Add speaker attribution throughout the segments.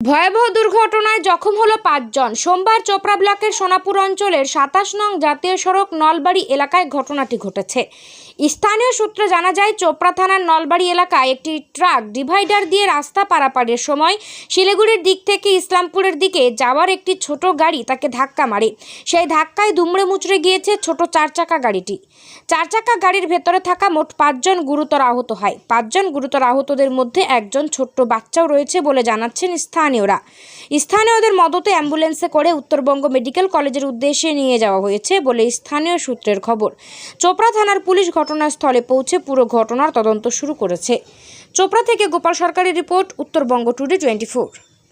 Speaker 1: ভয়াবহ দুর্ঘটনায় জখম হলো ৫ জন। সোমবার চোপড়া ব্লকের সোনাপুর অঞ্চলের ২৭ নং জাতীয় সড়ক নলবাড়ি এলাকায় ঘটনাটি ঘটেছে। স্থানীয় সূত্রে জানা যায়, চোপড়া থানার নলবাড়ি এলাকায় একটি ট্রাক ডিভাইডার দিয়ে রাস্তা পারাপারের সময় শিলিগুড়ির দিক থেকে ইসলামপুরের দিকে যাওয়ার একটি ছোট গাড়ি তাকে ধাক্কা মারে। সেই ধাক্কায় দুমড়ে মুচড়ে গিয়েছে ছোট ৪ চাকা গাড়িটি। ৪ চাকা গাড়ির ভেতরে থাকা মোট ৫ জন গুরুতর আহত হয়। ৫ জন গুরুতর আহতদের মধ্যে একজন ছোট্ট বাচ্চাও রয়েছে বলে জানাচ্ছেন স্থানীয়দের মদতে অ্যাম্বুলেন্সে করে উত্তরবঙ্গ মেডিকেল কলেজের উদ্দেশ্যে নিয়ে যাওয়া হয়েছে বলে স্থানীয় সূত্রের খবর। চোপড়া থানার পুলিশ ঘটনাস্থলে পৌঁছে পুরো ঘটনার তদন্ত শুরু করেছে। চোপড়া থেকে গোপাল সরকারের রিপোর্ট, উত্তরবঙ্গ টুডে 24।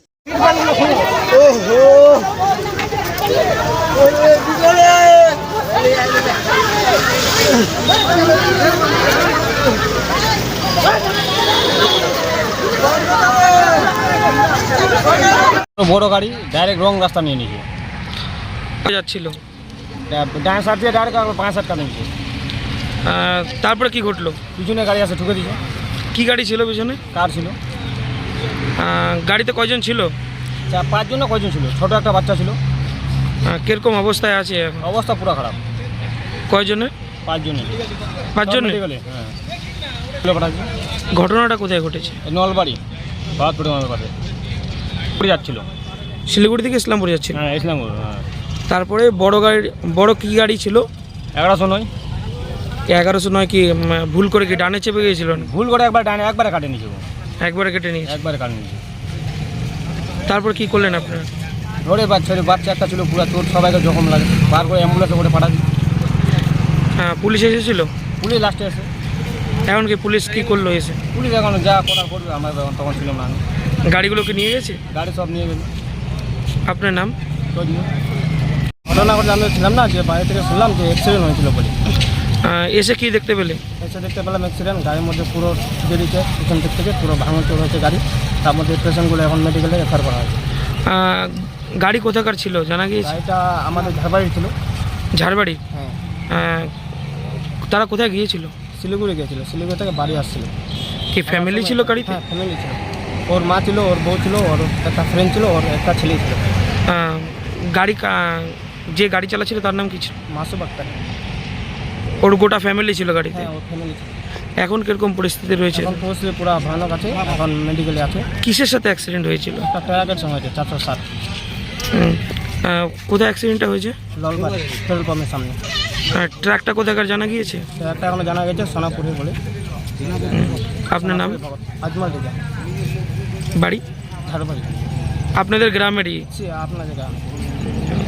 Speaker 2: বড় গাড়ি ডাইরেক্ট রং রাস্তা নিয়ে নিয়েছে,
Speaker 3: যাচ্ছিল
Speaker 2: ডান সাইড দিয়ে ডাইরেক্ট ৫-৭ কাটা নিয়েছে।
Speaker 3: তারপরে কি ঘটলো?
Speaker 2: পিছনে গাড়ি আছে, ঠুকে দিয়েছে।
Speaker 3: কি গাড়ি ছিল পিছনে?
Speaker 2: কার ছিল।
Speaker 3: গাড়িতে কয়জন ছিল?
Speaker 2: ৫ জন না কয়জন ছিল, ছোট একটা বাচ্চা ছিল।
Speaker 3: কিরকম অবস্থায় আছে?
Speaker 2: অবস্থা পুরো খারাপ।
Speaker 3: কয়জনে?
Speaker 2: ৫ জনে।
Speaker 3: ৫ জনে?
Speaker 2: হ্যাঁ।
Speaker 3: ঘটনাটা কোথায় ঘটেছে?
Speaker 2: নলবাড়ি বাহাদপুর নলবাড়ি পুরী যাচ্ছিল,
Speaker 3: শিলিগুড়ি থেকে ইসলামপুর যাচ্ছিল।
Speaker 2: হ্যাঁ ইসলামপুর। হ্যাঁ।
Speaker 3: তারপরে বড় কি গাড়ি ছিল?
Speaker 2: 1100 নয়।
Speaker 3: 1100 নয় কি ভুল করে কি ডানে চেপে গিয়েছিল?
Speaker 2: ভুল করে একবার ডানে একবারে কাটে নিয়েছে,
Speaker 3: একবারে কেটে নিয়েছে।
Speaker 2: একবারে কাটে নিয়েছে।
Speaker 3: তারপর কি করলেন আপনারা?
Speaker 2: ধরে বাচ্চা একটা ছিল, পুরো তোর সবাইকে জখম লাগে, বার করে অ্যাম্বুলেন্সে করে পাঠাচ্ছি।
Speaker 3: হ্যাঁ, পুলিশ এসেছিল?
Speaker 2: পুলিশ লাস্টে এসে।
Speaker 3: এখন কি পুলিশ কি করলো এসে?
Speaker 2: পুলিশ এখন যা করার করবে, আমার তখন ছিলাম না।
Speaker 3: গাড়িগুলোকে নিয়ে গেছে?
Speaker 2: গাড়ি সব নিয়ে গেল।
Speaker 3: আপনার নাম?
Speaker 2: ঘটনা করে আমি ছিলাম না, যে বাইরে থেকে শুনলাম যে অ্যাক্সিডেন্ট হয়েছিল বলে।
Speaker 3: এসে কি দেখতে পেলে?
Speaker 2: এসে দেখতে পেলাম অ্যাক্সিডেন্ট, গাড়ির মধ্যে পুরো বেরিয়েছে, পিছন দিক থেকে পুরো ভাঙচুর হয়েছে গাড়ি। তার মধ্যে পেশেন্টগুলো এখন মেডিকেলে রেফার করা হয়েছে।
Speaker 3: গাড়ি কোথাকার ছিল জানা গিয়েছে?
Speaker 2: গাড়িটা আমাদের ঝাড়বাড়ি ছিল।
Speaker 3: ঝাড়বাড়ি?
Speaker 2: হ্যাঁ।
Speaker 3: তারা কোথায় গিয়েছিল?
Speaker 2: শিলিগুড়ি গিয়েছিল, শিলিগুড়ি থেকে বাড়ি আসছিল।
Speaker 3: কি ফ্যামিলি ছিল গাড়িতে?
Speaker 2: হ্যাঁ ফ্যামিলি ছিল, ওর মা ছিল, ওর বউ ছিল, ওর একটা ফ্রেন্ড ছিল, ওর একটা ছেলে ছিল।
Speaker 3: যে গাড়ি চালাচ্ছিল তার নাম কি ছিল?
Speaker 2: মাসুম আক্তার।
Speaker 3: ওর গোটা ফ্যামিলি ছিল গাড়িতে?
Speaker 2: হ্যাঁ ওর ফ্যামিলি ছিল।
Speaker 3: এখন কিরকম পরিস্থিতি রয়েছে?
Speaker 2: এখন পরিস্থিতি পুরো ভয়ানক আছে, এখন মেডিকেলে আছে।
Speaker 3: কিসের সাথে অ্যাক্সিডেন্ট হয়েছিল?
Speaker 2: একটা ট্রাকের সঙ্গে হয়েছে, 407।
Speaker 3: কোথায় অ্যাক্সিডেন্টটা হয়েছে?
Speaker 2: ললবাড়ি পেট্রোল পাম্পের সামনে।
Speaker 3: ট্রাকটা কোথাকার জানা গিয়েছে?
Speaker 2: ট্রাকটা এখনো জানা গেছে সোনাপুরে বলে।
Speaker 3: আপনার নাম?
Speaker 2: আজমল রেজা,
Speaker 3: বাড়ি?
Speaker 2: ঝাড়বাড়ি।
Speaker 3: আপনাদের গ্রামেরই?
Speaker 2: আপনাদের গ্রামে।